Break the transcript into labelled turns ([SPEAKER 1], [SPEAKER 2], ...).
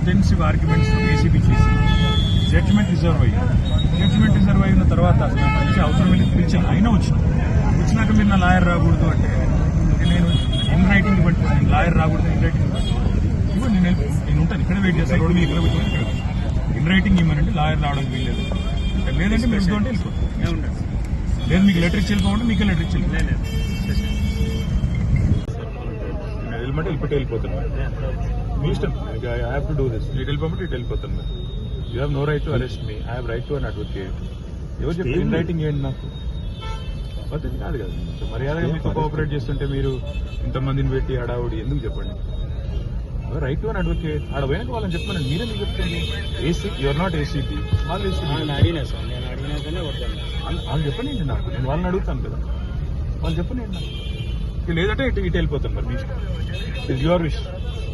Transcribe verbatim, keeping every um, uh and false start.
[SPEAKER 1] Extensive arguments ACB చేసి judgement reserve అయ్యింది. Judgement reserve అయిన తర్వాత అసలు పిలిచి అవసరం వెళ్ళి పిలిచాను, అయినా వచ్చిన వచ్చినాక మీరు నా లాయర్ రాకూడదు అంటే నేను ఇన్ రైటింగ్ ఇవ్వండి, నేను లాయర్ రాకూడదు ఇన్ రైటింగ్ ఇవ్వండి, నేను నేను ఉంటాను ఇక్కడే వెయిట్ చేస్తాను, రోడ్డు మీద ఇక్కడ కూర్చొని ఇక్కడ ఇన్ రైటింగ్ ఇవ్వనంటే లాయర్ రావడానికి వీల్లేదు, లేదంటే మీరు ఉంటే వెళ్ళిపోతాం, లేదు మీకు లెటర్ ఇచ్చి వెళ్ళిపోమంటే మీకే లెటర్ ఇచ్చి వెళ్ళిపోమంటే వెళ్ళిపోతే వెళ్ళిపోతాను మీ ఇష్టం. I have to do this, ఇటు వెళ్ళిపోమంటే ఇటు వెళ్ళిపోతాను. You have no right to arrest me, I have right to an advocate. ఎవరు చెప్పి ఇన్ రైటింగ్ ఏంటి నాకు పద్ధతి కాదు కదా. సో మర్యాదగా మీకు కోఆపరేట్ చేస్తుంటే మీరు ఇంతమందిని పెట్టి హడావుడి ఎందుకు చెప్పండి. రైట్ టు అన్ అడ్వకేట్ ఆడ పోయినాక వాళ్ళని చెప్పమని మీరే మీకు చెప్తుంది. ఏసీ యువర్ నాట్ ఏసీపీ, వాళ్ళు ఏసీపీ వాళ్ళు చెప్పనండి నాకు, నేను వాళ్ళని అడుగుతాను కదా, వాళ్ళు చెప్పనండి నాకు. లేదంటే ఇటు ఇటు వెళ్ళిపోతాను మరి మీ ఇష్టం, ఇట్ ఇస్ యువర్ విష్.